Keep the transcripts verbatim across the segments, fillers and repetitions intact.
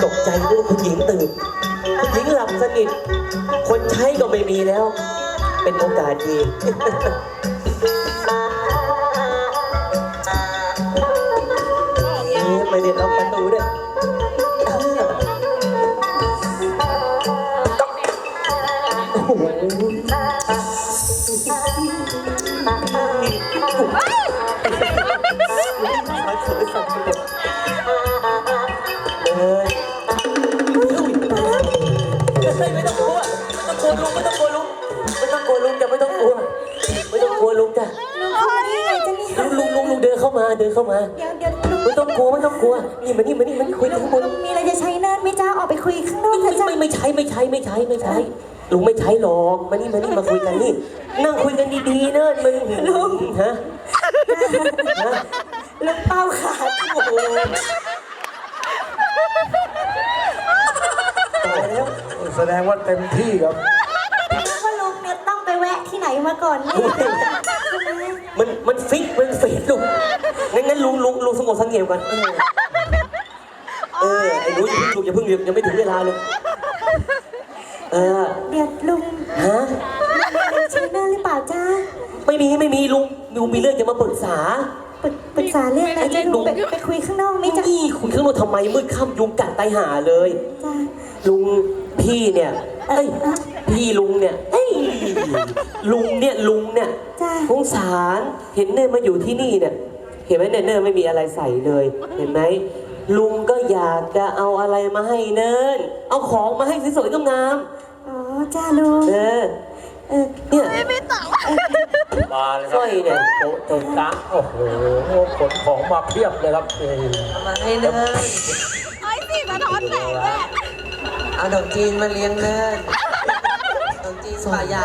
ตกใจนึกว่าคุณหญิงตื่นคุณหญิงหลับสนิทคนใช้ก็ไม่มีแล้ว เป็นโอกาสดีไม่ได้ล็อกประตูด้วยโอ้โหไม่ต้องกลัวไม่ต้องกลัวลุงไม่ต้องกลัวลุงไม่ต้องกลัวลุงจะไม่ต้องกลัวไม่ต้องกลัวลุงจ้ะลุงลุงลุงเดินเข้ามาเดินเข้ามาไม่ต้องกลัวไม่ต้องกลัวนี่มานี่มานี่มานี่คุยกันข้างบนมีอะไรจะใช้เนินไม่จ้าออกไปคุยข้างนอกเถอะจ้าไม่ไม่ใช้ไม่ใช้ไม่ใช้ไม่ใช้ลุงไม่ใช้หรอกมานี่มานี่มาคุยกันนี่นั่งคุยกันดีๆเนินมึงลุงฮะฮะลุงเป้าขาดโอ้โหตายแล้วแสดงว่าเต็มที่ครับว่าลุงเนี่ยต้องไปแวะที่ไหนมาก่อนเนี่ยมันมันฟิกมันเฟดลุงงั้นงั้นลุงลุงลุงสงบสังเกตกันเออเออไอ้ลุงลุงอย่าเพิ่งยังไม่ถึงเวลาเลยเออเดี๋ยวลุงฮะใช้เนินหรือเปล่าจ้าไม่มีไม่มีลุงลุงมีเรื่องจะมาปรึกษาปรึกปรึกษาเรื่องอะไรจ้าลุงไปไปคุยข้างนอกไหมจ้านี่คุยข้างนอกทำไมมืดค่ำยุงกัดตายหาเลยจ้าลุงพี่เนี่ยเอ้ยพี่ลุงเนี่ยเอ้ยลุงเนี่ยลุงเนี่ยจ้าสงสารเห็นเนิ่นมาอยู่ที่นี่เนี่ยเห็นไหมเนี่ยเนิ่นไม่มีอะไรใส่เลย เห็นไหมลุงก็อยากจะเอาอะไรมาให้เนิ่นเอาของมาให้สวยๆงามอ๋อจ้าลุงๆเออเออเนี่ยมาเลยคสรับร้อยเนี่ยโต๊ะเต็มตักโอ้โหขนของมาเพียบเลยครับเอ้ยมาให้เนินไอ้สิสะท้อนแสงแม่เอาดอกจีนมาเลี้ยงเนินดอกจีนป่าใหญ่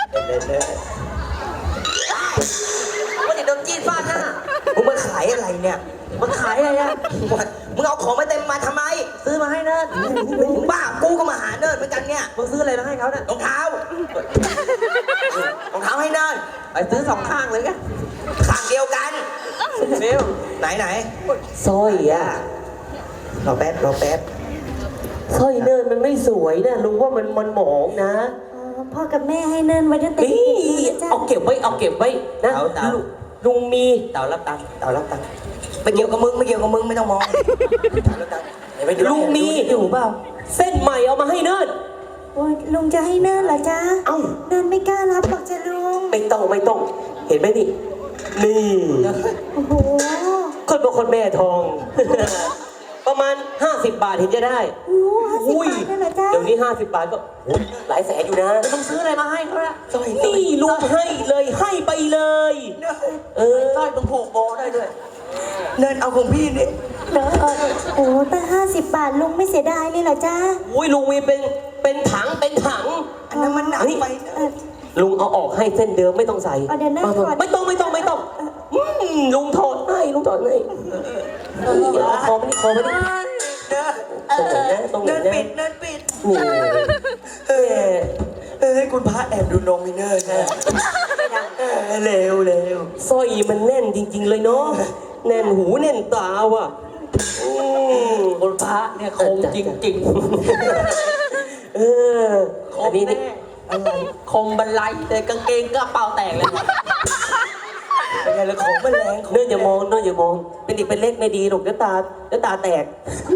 ว่าเด็กดอกจีนฟาดหน้ามึงมาขายอะไรเนี่ยมันขายอะไรอะมึงเอาของมาเต็มมาทำไมซื้อมาให้เนินมึงบ้า กูก็มาหาเนิร์ดเหมือนกันเนี่ยมึงซื้ออะไรมาให้เขาเนี่ยรองเท้ารองเท้าให้เนิร์ดไปซื้อสองข้างเลยกันข้างเดียวกันเร็วไหนไหนสร้อยอ่ะรอแป๊บรอแป๊บสร้อยเนิ่นมันไม่สวยนะลุงว่ามันมันหมองนะอ๋อพ่อกับแม่ให้เนินไว้ตั้งแต่นี่เด็กๆเลยจ้าเอาเก็บไว้เอาเก็บไว้นะลุงลุงมีเต่ารับตังค์เต่ารับตังค์ไม่เกี่ยวกับมึงไม่เกี่ยวกับมึงไม่ต้องมองเต่ารับตังค์เดี๋ยวไปดูลุงมีอยู่เปล่าเส้นใหม่เอามาให้เนิ่นโอ้ยลุงจะให้เนินเหรอจ้าเอ้าเนินไม่กล้ารับหรอกจ้าลุงไม่ต้องไม่ต้องเห็นไหมนี่นี่โอ้โหคนบอกคนแม่ทอง ประมาณห้าสิบบาทเห็นจะได้โอ้ห้าสิบบาทนั่นเหรอจ้าเดี๋ยวนี้ห้าสิบบาทก็โอ้ยหลายแสนอยู่นะต้องซื้ออะไรมาให้เขาละสร้อยนี่ลุงให้เลยให้ไปเลย เออสร้อยมึงผูกโบได้ด้วยเนิร์ดเอาของพี่นี่เหรอเออโอ้ตั้งห้าสิบบาทลุงไม่เสียดายเลยเหรอจ้าอุ้ยลุงมีเป็นเป็นถังเป็นถังอันนั้นมันหนักไปนะเออลุงเอาออกให้เส้นเดิมไม่ต้องใส่เอาเดี๋ยวนะมาถอดไม่ต้องไม่ต้องไม่ต้องอืมลุงถอดให้ลุงถอดให้เอาคอไม่ได้คอไม่ได้เนิร์ดตรงไหนนะตรงไหนเนิร์ดนะปิดเนิร์ดปิดนี่เออเออให้คุณพระแอบดูนมมีเนิร์ดนะเออเร็วเร็วสร้อยมันแน่นจริง ๆ เลยเนาะแน่นหูแน่นตาว่ะอืมคนพระเนี่ยคมจริงเออๆคอันมนี้แน่นี่อะไรคมบรรลัยแต่กางเกงก็เป่าแตกเลยเป็นไงล่ะของมันแรงของเนื่ออย่ามองเนื่ออย่ามอง เป็นเด็กเป็นเล็กไม่ดีหรอกเดี๋ยวตาเดี๋ยวตาแตก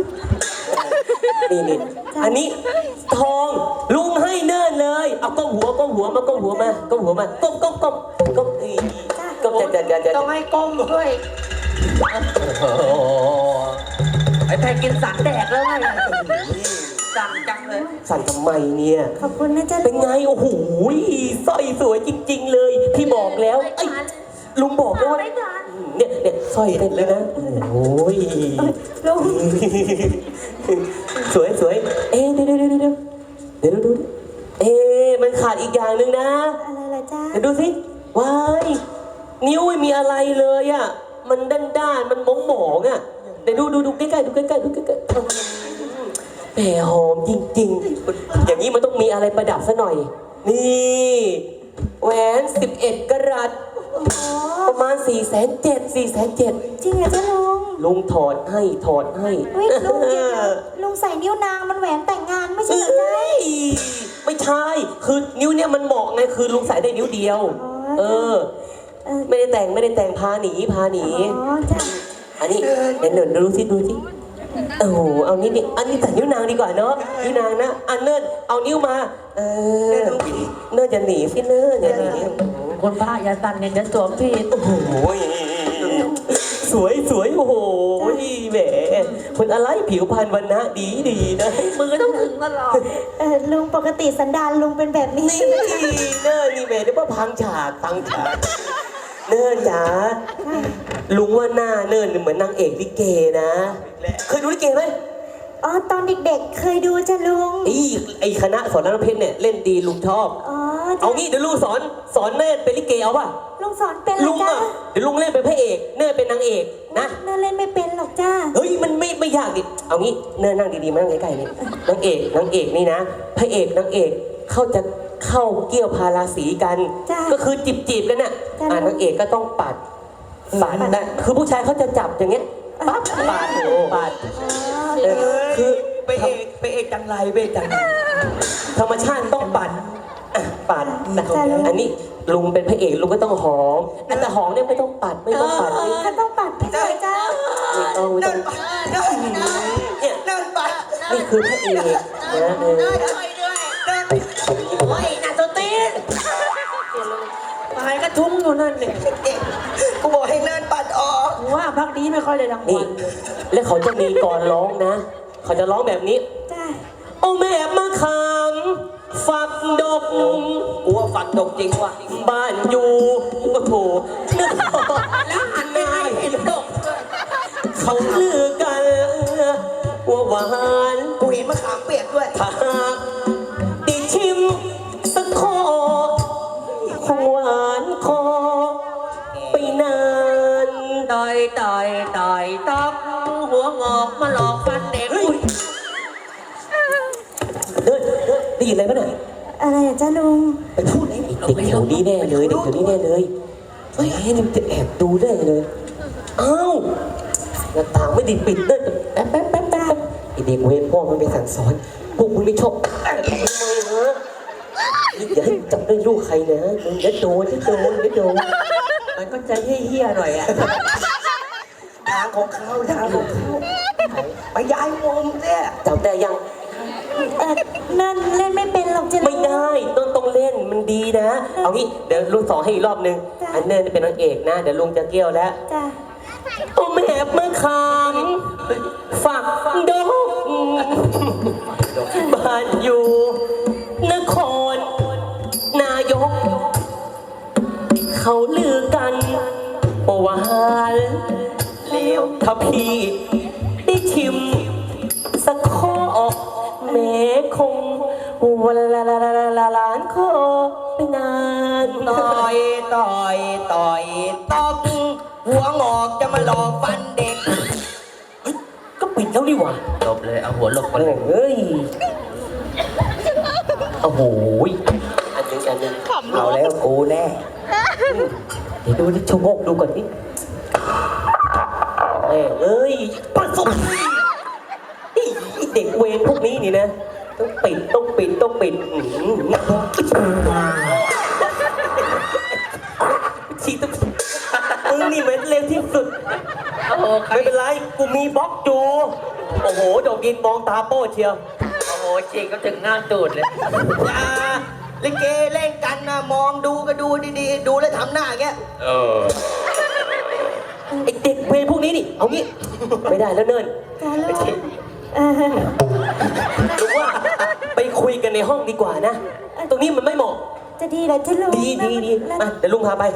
นี่นี่อันนี้ทองลุงให้เนิ่นเลย เอาก้มหัวก้มหัวมาก้มหัวมาก้มหัวมาก้มก้มก้มก้มอีก้มจะจะจะจะต้องให้ก้มด้วยไอ้แพกินสันแดกแล้วไงสั่งจังเลยสั่นทำไมเนี่ยขอบคุณนะจ้าเป็นไงโอ้โหสร้อยสวยจริง ๆ เลยพี่บอกแล้วไอ้ยลุงบอกแล้วว่าเนี่ยเนี่ยสร้อยเต้นเลยนะโอ้ยลุงสวยสวยเอ๊ะเดี๋ยวเดี๋ยวเดี๋ยวเดี๋ยวเดี๋ยวดูดิเอ๊ะมันขาดอีกอย่างหนึ่งนะอะไรล่ะจ้าเดี๋ยวดูสิว้ายนิ้วไม่มีอะไรเลยอ่ะมันด้านด้านๆมันมองหมองๆอ่ะเดี๋ยวดูดูดูใกล้ๆดูใกล้ๆดูใกล้ๆแหมหอมจริงๆ อย่างนี้มันต้องมีอะไรประดับซะหน่อย นี่แหวนสิบเอ็ดกะรัตโอ้โหประมาณสี่แสนเจ็ดสี่แสนเจ็ดจริงเหรอจ้าลุงลุงถอดให้ถอดให้เฮ้ยลุงเดี๋ยวๆลุงใส่นิ้วนางมันแหวนแต่งงานไม่ใช่เหรอจ๊ะเอ้ยไม่ใช่ คือนิ้วเนี่ยมันเหมาะไง คือลุงใส่ได้นิ้วเดียวอ๋อเออเออไม่ได้แต่งไม่ได้แต่งพาหนีพาหนีอ๋อจ้ะอันนี้เดี๋ยวเดี๋ยวดูสิดูสิโอ้โหเอานี่นี่อันนี้ใส่นิ้วนางดีกว่าเนาะนิ้วนางนะอันเนิร์ดเอานิ้วมา เออเนิร์ดอย่าหนีสิเนิร์ดอย่าหนีคนพระอย่าสั่นเนี่ยจะสวมผิดโอ้โหสวยสวยโอ้โหแหมคนอะไรผิวพรรณวันนะดีดีนะมือต้องถึงตลอดเออลุงปกติสันดานลุงเป็นแบบนี้นี่เนิร์ดนี่แหมเดี๋ยวว่าพังฉากพังฉากเนิร์ดจ๋าลุงว่าหน้าเนิร์ดเหมือนนางเอกลิเกนะเคยดูลิเกไหมอ๋อตอนเด็กๆเคยดูจ้ะลุงไอ้ไอ้คณะสอนรามเพชรเนี่ยเล่นดีลุงชอบอ๋อเอาจ้ะงี้เดี๋ยวลุงสอนสอนเนิร์ดเป็นลิเกเอาป่ะลุงสอนเป็นเหรลุอง จ้ะอ่ะเดี๋ยวลุงเล่นเป็นพระเอกเนิร์ดเป็นนางเอกนะเนิร์เล่นไม่เป็นหรอกจ้าเฮ้ยมันไม่ไม่ยากดิเอางี้เนิร์ดนั่งดีๆมานั่งใกล้ๆนี่นางเอกนางเอกนี่นะพระเอกนางเอกเขาจะเข้าเกี่ยวพาราสีกัน ก็คือจีบจีบๆกันน่ะอ่านางเอกก็ต้องปัดปัดนะคือผู้ชายเขาจะจับอย่างเงี้ยปั๊บปัดโอ้ปัดเออคือไปเอกไปเอกจังไรไปเอกจังไรธรรมชาติต้องปัดอ่ะปัดนะอันนี้ลุงเป็นพระเอกลุงก็ต้องหอมแต่หอมเนี่ยไม่ต้องปัดไม่ต้องปัดเขาต้องปัดไม่ใช่จ้าไม่ต้องไม่ต้องเนี่ยเดินไปนี่คือพระเอกนะเออโอ้ยน่าสตีนตายกระทุ้งอยู่นั่นเนี่ยกูบอกให้เดินปัดออกว่าพักนี้ไม่ค่อยได้รางนี่วัลเลยแล้วเขาจะมีกรร้องนะ เขาจะร้องแบบนี้จ้าโอ้แม่มะขามฝักดกกูว่าฝันดกจริงว่ะบ้านอยู่โอ้โหนึกออกแล้วหันไปให้เห็นดกเขาลือกันว่าหวานกูเห็นมะขามเปียกด้วยถ้าหากได้ชิมสักคอคงหวานคอไปนานต่อยต่อยต่อยตอกหัวงอกมาหลอกฟันเด็กอุ้ยเดินเดินได้ยินอะไรปะเนี่ยอะไรอ่ะจ้าลุงไปพูดไอ้เด็กแถวนี้แน่เลยเด็กแถวนี้แน่เลยเฮ้ยนี่มันจะแอบดูได้เลยอ้าวหน้าต่างไม่ไดิปิดเดินแป๊บแป๊บแป๊บแป๊บไอเด็กเวรพ่อมันไปสั่งสอนพวกมึงไม่ชอบทำไมฮะอย่าให้จับได้ลูกใครนะเดี๋ยวโดนเดี๋ยวโดนเดี๋ยวโดนมันก็จะเฮี้ยๆหน่อยอ่ะทางของเขาทางของเขาไปย้ายมุมเนี่ยจำได้ยังเออนั่นเล่นไม่เป็นหรอกจ้าลุงไม่ได้ต้องต้องเล่นมันดีนะ เอางี้เดี๋ยวลุงสอนให้อีกรอบนึงจ้ะอันเนิร์นเป็นนางเอกนะ เดี๋ยวลุงจะเกี่ยวแล้วจ้าโอ้แม่มะขามฝักดกบ้านอยู่นครนายก เขาลือกันว่าหวานเลวถ้าพี่ได้ชิมสักข้อแม่คงวันละละละละล้านข้อไปนานต่อยต่อยต่อยตอกหัวงอกจะมาหลอกฟันเด็กก็ปิดแล้วนี่หว่าหลบเลยเอาหัวหลบไปเฮ้ยเฮ้ยโอ้โหอันหนึงอันหนึงเอาแล้วกูแน่เดี๋ยวดูดิชะโงกดูก่อนนิแม่เอ้ยปัดสุดไอ้เด็กเวรพวกนี้นี่นะ ต้องปิดต้องปิดต้องปิดอื้อหือชีต้องมึงนี่เหม็นเร็วที่สุดโอ้โหใครไม่เป็นไร กูมีบล็อกอยู่โอ้โหดอกยินมองตาโป้เชียวโอ้โหฉีกก็ถึงหน้าตูดเลยอย่าลิเกเล่นกันนะมองดูก็ดูดีๆ ดูแล้วทำหน้าอย่างเงี้ยไอเด็กเวรพวกนี้นี่ เอางี้ ไม่ได้แล้วเนินจ้าลุงเออรู้ว่าไปคุยกันในห้องดีกว่านะ ตรงนี้มันไม่เหมาะจะดีเหรอจ้าลุงดีดีดีแล้วมาเดี๋ยวลุงพาไป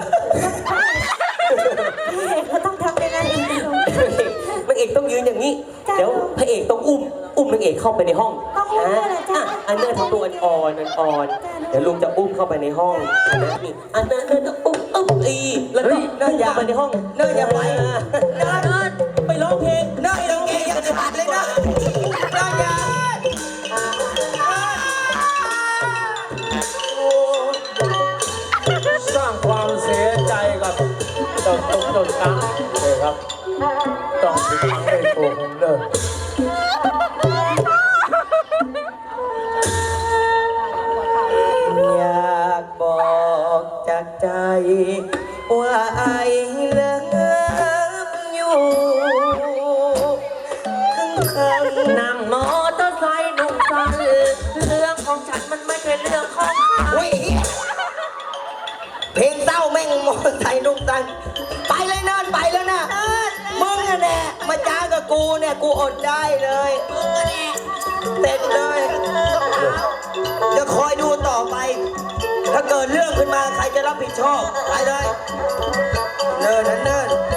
พี่เอกเขาต้องทำยังไงอีกจ้าลุงนางเอกต้องยืนอย่างนี้จ้ะเดี๋ยวพระเอกต้องอุ้ม อุ้มนางเอกเข้าไปในห้องต้องอุ้มด้วยเหรอจ๊ะอ่ะอันเนอร์ทำตัวอ่อนๆอ่อนๆเดี๋ยวลุงจะอุ้มเข้าไปในห้องอันนั้นนี่อันเนอร์เนอร์อุ้มอุ้มอีแล้วก็อุ้มเข้าไปในห้องเนิร์ดอย่าไปเนิร์ดไปร้องเพลงเนิร์ดลิเกยังขาดเลยนะเนิร์ดอย่าสร้างความเสียใจกับเจ้าตุ๊กตุ๊กตาเลยครับ ต้องเสียไม่ถูกเลยอยากบอกจากใจ ว่าไอ้เลิฟอยู่ข้างๆนั่งมอเตอร์ไซค์หนุ่มสันเรื่องของฉันมันไม่ใช่เรื่องของใครอุ้ยเพลงเศร้าแม่งมอใส่นุ่มตันไปเลยเนินไปแล้วนะมึงน่ะแน่มาจ้ากับกูเนี่ยกูอดได้เลยเสร็จเลยจะคอยดูต่อไป ถ้าเกิดเรื่องขึ้นมาใครจะรับผิดชอบไปเลยเนินนะเนิน